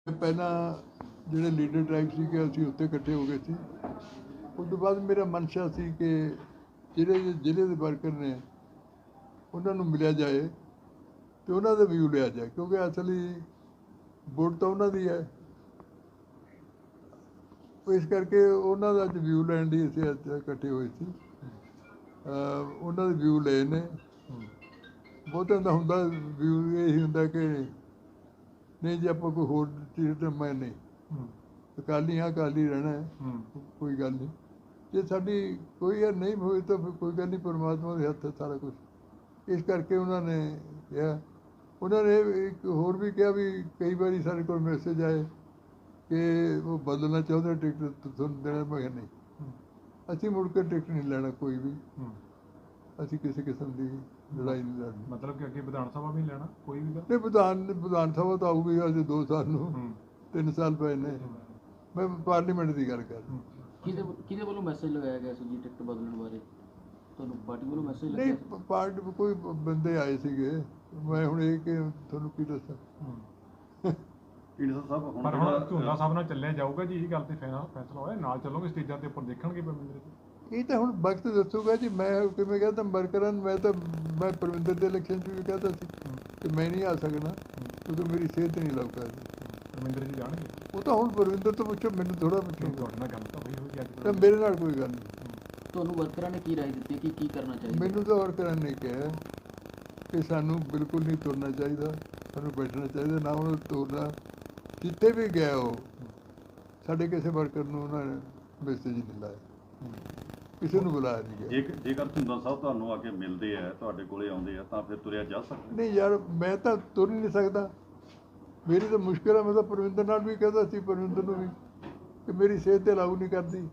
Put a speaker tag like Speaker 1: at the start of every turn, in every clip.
Speaker 1: ਪਹਿਲਾਂ ਜਿਹੜੇ leader tribe ਸੀਗੇ ਅਸੀਂ ਉੱਥੇ ਇਕੱਠੇ ਹੋ ਗਏ ਸੀ। ਉਸ ਤੋਂ ਬਾਅਦ ਮੇਰਾ ਮਨਸ਼ਾ ਸੀ ਕਿ ਜ਼ਿਲ੍ਹੇ ਦੇ ਵਰਕਰ ਨੇ ਉਹਨਾਂ ਨੂੰ ਮਿਲਿਆ ਜਾਏ ਅਤੇ ਉਹਨਾਂ ਦਾ ਵਿਊ ਲਿਆ ਜਾਏ, ਕਿਉਂਕਿ ਅਸਲੀ ਵੋਟ ਤਾਂ ਉਹਨਾਂ ਦੀ ਹੈ। ਇਸ ਕਰਕੇ ਉਹਨਾਂ ਦਾ ਅੱਜ ਵਿਊ ਲੈਣ ਲਈ ਅਸੀਂ ਅੱਜ ਇਕੱਠੇ ਹੋਏ ਸੀ। ਉਹਨਾਂ ਦੇ ਵਿਊ ਲਏ ਨੇ। ਬਹੁਤਿਆਂ ਦਾ ਹੁੰਦਾ ਵਿਊ ਇਹੀ ਹੁੰਦਾ ਕਿ ਨਹੀਂ ਜੀ ਆਪਾਂ ਕੋਈ ਹੋਰ ਚੀਜ਼ ਤਾਂ ਮੈਂ ਨਹੀਂ ਅਕਾਲੀ ਹਾਂ, ਅਕਾਲੀ ਰਹਿਣਾ ਹੈ, ਕੋਈ ਗੱਲ ਨਹੀਂ। ਜੇ ਸਾਡੀ ਕੋਈ ਯਾਰ ਨਹੀਂ ਹੋਈ ਤਾਂ ਫਿਰ ਕੋਈ ਗੱਲ ਨਹੀਂ, ਪਰਮਾਤਮਾ ਦੇ ਹੱਥ ਹੈ ਸਾਰਾ ਕੁਛ। ਇਸ ਕਰਕੇ ਉਹਨਾਂ ਨੇ ਕਿਹਾ, ਉਹਨਾਂ ਨੇ ਇੱਕ ਹੋਰ ਵੀ ਕਿਹਾ ਵੀ ਕਈ ਵਾਰੀ ਸਾਡੇ ਕੋਲ ਮੈਸੇਜ ਆਏ ਕਿ ਉਹ ਬਦਲਣਾ ਚਾਹੁੰਦੇ ਟਿਕਟ ਤੁਹਾਨੂੰ ਦੇਣਾ। ਮੈਂ ਕਿਹਾ ਨਹੀਂ, ਅਸੀਂ ਮੁੜ ਕੇ ਟਿਕਟ ਨਹੀਂ ਲੈਣਾ ਕੋਈ ਵੀ। ਅਸੀਂ ਕਿਸੇ ਕਿਸਮ ਦੀ ਲੜਾਈ ਨਹੀਂ ਲੜਨੀ।
Speaker 2: ਮਤਲਬ ਕਿ ਅੱਗੇ ਵਿਧਾਨ ਸਭਾ ਵੀ ਲੈਣਾ ਕੋਈ ਵੀ ਗੱਲ
Speaker 1: ਨਹੀਂ, ਵਿਧਾਨ ਸਭਾ ਤਾਂ ਆਊਗੀ ਅਜੇ 2 ਸਾਲ ਨੂੰ, 3 ਸਾਲ ਪਏ ਨੇ। ਮੈਂ ਪਾਰਲੀਮੈਂਟ ਦੀ ਗੱਲ ਕਰ ਰਿਹਾ।
Speaker 3: ਕਿਹਦੇ ਵੱਲੋਂ ਮੈਸੇਜ ਲਗਾਇਆ ਗਿਆ ਸੀ ਜੀ ਟਿਕਟ ਬਦਲਣ ਬਾਰੇ? ਤੁਹਾਨੂੰ ਪਾਰਟੀ ਵੱਲੋਂ ਮੈਸੇਜ
Speaker 1: ਨਹੀਂ,
Speaker 3: ਲੱਗਿਆ?
Speaker 1: ਪਾਰਟੀ ਕੋਈ ਬੰਦੇ ਆਏ ਸੀਗੇ। ਮੈਂ ਹੁਣ ਇਹ ਕਿ ਤੁਹਾਨੂੰ ਕੀ ਦੱਸਾਂ।
Speaker 2: ਢੀਂਡਸਾ ਸਾਹਿਬ ਪਰ ਹੁਣ ਝੂਲਾ ਸਾਹਿਬ ਨਾਲ ਚੱਲਿਆ ਜਾਊਗਾ ਜੀ, ਇਹ ਗੱਲ ਤੇ ਫੈਸਲਾ ਹੋਇਆ ਨਾਲ ਚੱਲੋਗੇ, ਸਟੇਜਾਂ ਦੇ ਉੱਪਰ ਦੇਖਣਗੇ ਪਰਮਿੰਦਰ ਜੀ?
Speaker 1: ਇਹ ਤਾਂ ਹੁਣ ਵਕਤ ਦੱਸੂਗਾ ਜੀ। ਮੈਂ ਕਿਵੇਂ ਕਹਿੰਦਾ ਵਰਕਰਾਂ ਨੂੰ, ਮੈਂ ਪਰਮਿੰਦਰ ਦੇ ਇਲੈਕਸ਼ਨ 'ਚ ਵੀ ਕਹਿੰਦਾ ਸੀ ਕਿ ਮੈਂ ਨਹੀਂ ਆ ਸਕਣਾ ਕਿਉਂਕਿ ਮੇਰੀ ਸਿਹਤ ਨਹੀਂ ਲੱਗ ਸਕਦੀ।
Speaker 2: ਪਰਮਿੰਦਰ ਜੀ ਜਾਣਗੇ?
Speaker 1: ਉਹ ਤਾਂ ਹੁਣ ਪਰਮਿੰਦਰ ਤੋਂ ਪੁੱਛੋ, ਮੈਨੂੰ ਥੋੜ੍ਹਾ ਪੁੱਛੋ।
Speaker 2: ਤੁਹਾਡੇ ਨਾਲ ਗੱਲ ਤਾਂ ਹੋਈ ਹੋਈ ਅੱਜ?
Speaker 1: ਤਾਂ ਮੇਰੇ ਨਾਲ ਕੋਈ ਗੱਲ ਨਹੀਂ।
Speaker 3: ਤੁਹਾਨੂੰ ਵਰਕਰਾਂ ਨੇ ਕੀ ਰਾਏ ਦਿੱਤੀ ਕਿ ਕੀ ਕਰਨਾ ਚਾਹੀਦਾ?
Speaker 1: ਮੈਨੂੰ ਤਾਂ ਵਰਕਰਾਂ ਨੇ ਕਿਹਾ ਕਿ ਸਾਨੂੰ ਬਿਲਕੁਲ ਨਹੀਂ ਤੁਰਨਾ ਚਾਹੀਦਾ, ਸਾਨੂੰ ਬੈਠਣਾ ਚਾਹੀਦਾ, ਨਾ ਉਹਨੂੰ ਤੁਰਨਾ। ਜਿੱਥੇ ਵੀ ਗਿਆ ਉਹ ਸਾਡੇ ਕਿਸੇ ਵਰਕਰ ਨੂੰ ਉਹਨਾਂ ਨੇ ਮੈਸੇਜ ਨਹੀਂ ਲਾਇਆ, ਕਿਸੇ ਨੂੰ ਬੁਲਾਇਆ ਨਹੀਂ ਗਿਆ।
Speaker 4: ਜੇਕਰ ਢੀਂਡਸਾ ਸਾਹਿਬ ਤੁਹਾਨੂੰ ਆ ਕੇ ਮਿਲਦੇ ਆ, ਤੁਹਾਡੇ ਕੋਲੇ ਆਉਂਦੇ ਆ, ਤਾਂ ਫਿਰ ਤੁਰਿਆ ਜਾ ਸਕਦਾ?
Speaker 1: ਨਹੀਂ ਯਾਰ, ਮੈਂ ਤਾਂ ਤੁਰ ਹੀ ਨਹੀਂ ਸਕਦਾ। ਮੇਰੀ ਤਾਂ ਮੁਸ਼ਕਿਲ ਹੈ। ਮੈਂ ਤਾਂ ਪਰਵਿੰਦਰ ਨਾਲ ਵੀ ਕਹਿੰਦਾ ਸੀ, ਪਰਵਿੰਦਰ ਨੂੰ ਵੀ, ਕਿ ਮੇਰੀ ਸਿਹਤ ਤੇ ਲਾਗੂ ਨਹੀਂ ਕਰਦੀ।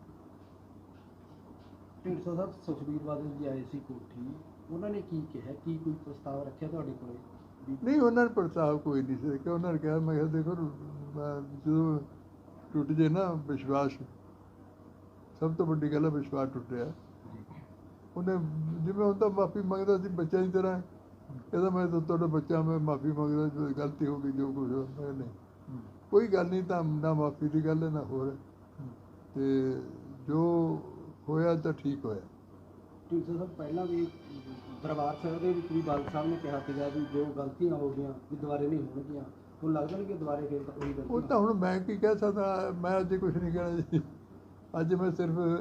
Speaker 5: ਢੀਂਡਸਾ ਸਾਹਿਬ ਸੁਖਬੀਰ ਬਾਦਲ ਜੀ ਆਏ ਸੀ ਕੋਠੀ, ਉਹਨਾਂ ਨੇ ਕੀ ਕਿਹਾ? ਕੀ ਕੋਈ ਪ੍ਰਸਤਾਵ ਰੱਖਿਆ ਤੁਹਾਡੇ ਕੋਲ?
Speaker 1: ਨਹੀਂ, ਉਹਨਾਂ ਨੇ ਪ੍ਰਸਤਾਵ ਕੋਈ ਨਹੀਂ ਸੀ ਕਿ ਉਹਨਾਂ ਨੇ ਕਿਹਾ। ਮੈਂ ਕਿਹਾ ਦੇਖੋ, ਜਦੋਂ ਟੁੱਟ ਜੇ ਨਾ ਵਿਸ਼ਵਾਸ, ਸਭ ਤੋਂ ਵੱਡੀ ਗੱਲ ਹੈ ਵਿਸ਼ਵਾਸ ਟੁੱਟਿਆ। ਉਹਨੇ ਜਿਵੇਂ ਹੁਣ ਤਾਂ ਮਾਫ਼ੀ ਮੰਗਦਾ ਸੀ ਬੱਚਿਆਂ ਦੀ ਤਰ੍ਹਾਂ, ਕਹਿੰਦਾ ਮੈਂ ਤਾਂ ਤੁਹਾਡਾ ਬੱਚਾ, ਮੈਂ ਮਾਫ਼ੀ ਮੰਗਦਾ, ਜੋ ਗਲਤੀ ਹੋ ਗਈ ਜੋ ਕੁਛ। ਮੈਂ ਨਹੀਂ, ਕੋਈ ਗੱਲ ਨਹੀਂ, ਤਾਂ ਨਾ ਮਾਫ਼ੀ ਦੀ ਗੱਲ ਹੈ ਨਾ ਹੋਰ। ਅਤੇ ਜੋ ਹੋਇਆ ਤਾਂ ਠੀਕ ਹੋਇਆ।
Speaker 5: ਢੀਂਡਸਾ ਸਾਹਿਬ ਪਹਿਲਾਂ ਵੀ ਦਰਬਾਰ ਸਾਹਿਬ ਦੇ ਵਿੱਚ ਵੀ ਬਾਦਲ ਸਾਹਿਬ ਨੇ ਕਿਹਾ ਸੀਗਾ ਵੀ ਜੋ ਗਲਤੀਆਂ ਹੋ ਗਈਆਂ ਵੀ ਦੁਬਾਰੇ ਨਹੀਂ ਹੋਣਗੀਆਂ। ਹੁਣ ਲੱਗਦਾ ਨਹੀਂ ਕਿ ਦੁਬਾਰੇ ਫਿਰ ਤਾਂ ਉਹੀ
Speaker 1: ਉਹ
Speaker 5: ਗਲਤੀ?
Speaker 1: ਤਾਂ ਹੁਣ ਮੈਂ ਕੀ ਕਹਿ ਸਕਦਾ। ਮੈਂ ਅੱਜ ਕੁਛ ਨਹੀਂ ਕਹਿਣਾ ਜੀ। ਅੱਜ ਮੈਂ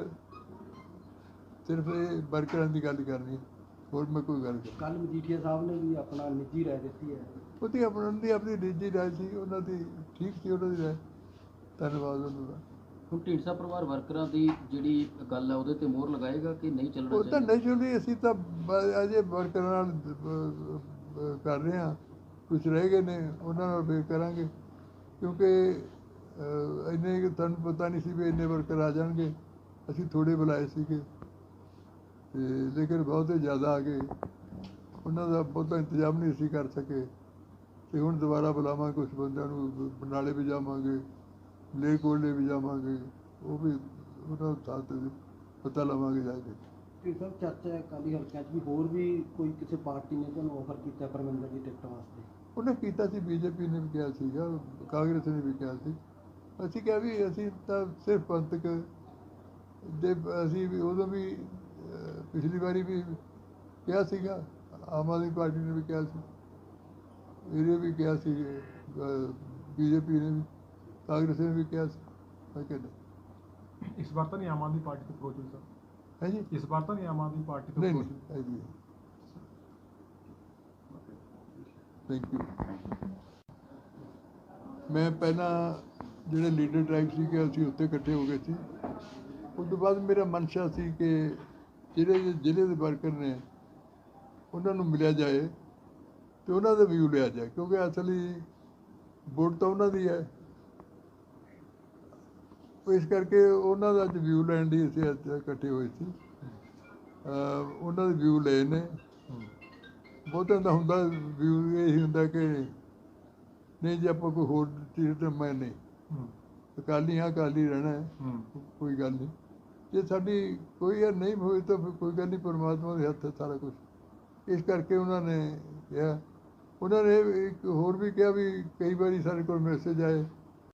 Speaker 1: ਸਿਰਫ ਇਹ ਵਰਕਰਾਂ ਦੀ ਗੱਲ ਕਰਨੀ ਹੈ, ਹੋਰ ਮੈਂ ਕੋਈ ਗੱਲ ਨਹੀਂ।
Speaker 5: ਕੱਲ੍ਹ ਮਜੀਠੀਆ ਸਾਹਿਬ ਨੇ ਵੀ ਆਪਣਾ ਨਿੱਜੀ ਰਾਏ ਦਿੱਤੀ ਹੈ।
Speaker 1: ਉਹਦੀ ਆਪਣੀ ਨਿੱਜੀ ਰਾਏ ਸੀ, ਉਹਨਾਂ ਦੀ ਠੀਕ ਸੀ, ਉਹਨਾਂ ਦੀ ਰਾਏ। ਧੰਨਵਾਦ ਉਹਨਾਂ ਦਾ।
Speaker 3: ਹੁਣ ਢੀਂਡਸਾ ਪਰਿਵਾਰ ਵਰਕਰਾਂ ਦੀ ਜਿਹੜੀ ਗੱਲ ਹੈ ਉਹਦੇ ਤੇ ਮੋਹਰ ਲਗਾਏਗਾ ਕਿ ਨਹੀਂ ਚੱਲਣਾ
Speaker 1: ਉਹ ਤਾਂ
Speaker 3: ਚਾਹੀਦਾ?
Speaker 1: ਨੈਚੁਰਲੀ ਅਸੀਂ ਤਾਂ ਅਜੇ ਵਰਕਰਾਂ ਨਾਲ ਕਰ ਰਹੇ ਹਾਂ। ਕੁਛ ਰਹਿ ਗਏ ਨੇ, ਉਹਨਾਂ ਨਾਲ ਫਿਰ ਕਰਾਂਗੇ, ਕਿਉਂਕਿ ਇੰਨੇ ਤੁਹਾਨੂੰ ਪਤਾ ਨਹੀਂ ਸੀ ਵੀ ਇੰਨੇ ਵਰਕਰ ਆ ਜਾਣਗੇ। ਅਸੀਂ ਥੋੜ੍ਹੇ ਬੁਲਾਏ ਸੀਗੇ ਅਤੇ ਲੇਕਿਨ ਬਹੁਤੇ ਜ਼ਿਆਦਾ ਆ ਗਏ। ਉਹਨਾਂ ਦਾ ਬਹੁਤਾ ਇੰਤਜ਼ਾਮ ਨਹੀਂ ਅਸੀਂ ਕਰ ਸਕੇ ਅਤੇ ਹੁਣ ਦੁਬਾਰਾ ਬੁਲਾਵਾਂਗੇ। ਕੁਛ ਬੰਦਿਆਂ ਨੂੰ ਬਰਨਾਲੇ ਵੀ ਜਾਵਾਂਗੇ, ਮਲੇਰਕੋਟਲੇ ਵੀ ਜਾਵਾਂਗੇ, ਉਹ ਵੀ ਉਹਨਾਂ ਥਾਂ 'ਤੇ ਪਤਾ ਲਵਾਂਗੇ ਜਾ ਕੇ।
Speaker 5: ਢੀਂਡਸਾ ਸਾਹਿਬ ਚਰਚਾ ਹੈ ਅਕਾਲੀ ਹਲਕਿਆਂ 'ਚ ਵੀ ਹੋਰ ਵੀ ਕੋਈ ਕਿਸੇ ਪਾਰਟੀ ਨੇ ਤੁਹਾਨੂੰ ਆਫਰ ਕੀਤਾ ਪਰਮਿੰਦਰ ਦੀ ਟਿਕਟ ਵਾਸਤੇ?
Speaker 1: ਉਹਨੇ ਕੀਤਾ ਸੀ, ਬੀਜੇਪੀ ਨੇ ਵੀ ਕਿਹਾ ਸੀਗਾ, ਕਾਂਗਰਸ ਨੇ ਵੀ ਕਿਹਾ ਸੀ। ਅਸੀਂ ਕਿਹਾ ਵੀ ਅਸੀਂ ਤਾਂ ਸਿਰਫ ਪੰਥਕ ਦੇ, ਅਸੀਂ ਵੀ ਉਦੋਂ ਵੀ ਪਿਛਲੀ ਵਾਰੀ ਵੀ ਕਿਹਾ ਸੀਗਾ, ਆਮ ਆਦਮੀ ਪਾਰਟੀ ਨੇ ਵੀ ਕਿਹਾ ਸੀ, ਇਹਨੇ ਵੀ ਕਿਹਾ ਸੀ, ਬੀਜੇਪੀ ਨੇ ਵੀ, ਕਾਂਗਰਸ ਨੇ ਵੀ ਕਿਹਾ ਸੀ। ਮੈਂ ਕਿਹਾ ਨਹੀਂ।
Speaker 2: ਇਸ ਵਾਰ ਤਾਂ ਨਹੀਂ ਆਮ ਆਦਮੀ ਪਾਰਟੀ ਤੋਂ ਅਪਰੋਚ ਹੋਈ ਸਰ?
Speaker 1: ਹੈ ਜੀ?
Speaker 2: ਇਸ ਵਾਰ ਤਾਂ ਨਹੀਂ ਆਮ ਆਦਮੀ ਪਾਰਟੀ ਤੋਂ
Speaker 1: ਨਹੀਂ
Speaker 2: ਅਪਰੋਚ
Speaker 1: ਨਹੀਂ, ਹੈ ਜੀ। Thank you. ਮੈਂ ਪਹਿਲਾਂ ਜਿਹੜੇ ਲੀਡਰ ਟ੍ਰਾਈਬ ਸੀਗੇ ਅਸੀਂ ਉੱਥੇ ਇਕੱਠੇ ਹੋ ਗਏ ਸੀ। ਉਸ ਤੋਂ ਬਾਅਦ ਮੇਰਾ ਮਨਸ਼ਾ ਸੀ ਕਿ ਜ਼ਿਲ੍ਹੇ ਦੇ ਵਰਕਰ ਨੇ ਉਹਨਾਂ ਨੂੰ ਮਿਲਿਆ ਜਾਏ ਅਤੇ ਉਹਨਾਂ ਦਾ ਵਿਊ ਲਿਆ ਜਾਏ, ਕਿਉਂਕਿ ਅਸਲੀ ਵੋਟ ਤਾਂ ਉਹਨਾਂ ਦੀ ਹੈ। ਇਸ ਕਰਕੇ ਉਹਨਾਂ ਦਾ ਅੱਜ ਵਿਊ ਲੈਣ ਲਈ ਅਸੀਂ ਅੱਜ ਇਕੱਠੇ ਹੋਏ ਸੀ। ਉਹਨਾਂ ਦੇ ਵਿਊ ਲਏ ਨੇ। ਬਹੁਤਿਆਂ ਦਾ ਹੁੰਦਾ ਵਿਊ ਇਹੀ ਹੁੰਦਾ ਕਿ ਨਹੀਂ ਜੀ ਆਪਾਂ ਕੋਈ ਹੋਰ ਚੀਜ਼ ਤਾਂ ਮੈਂ ਨਹੀਂ ਅਕਾਲੀ ਹਾਂ, ਅਕਾਲੀ ਰਹਿਣਾ ਹੈ, ਕੋਈ ਗੱਲ ਨਹੀਂ। ਜੇ ਸਾਡੀ ਕੋਈ ਯਾਰ ਨਹੀਂ ਹੋਈ ਤਾਂ ਫਿਰ ਕੋਈ ਗੱਲ ਨਹੀਂ, ਪਰਮਾਤਮਾ ਦੇ ਹੱਥ ਹੈ ਸਾਰਾ ਕੁਛ। ਇਸ ਕਰਕੇ ਉਹਨਾਂ ਨੇ ਕਿਹਾ। ਉਹਨਾਂ ਨੇ ਇੱਕ ਹੋਰ ਵੀ ਕਿਹਾ ਵੀ ਕਈ ਵਾਰੀ ਸਾਡੇ ਕੋਲ ਮੈਸੇਜ ਆਏ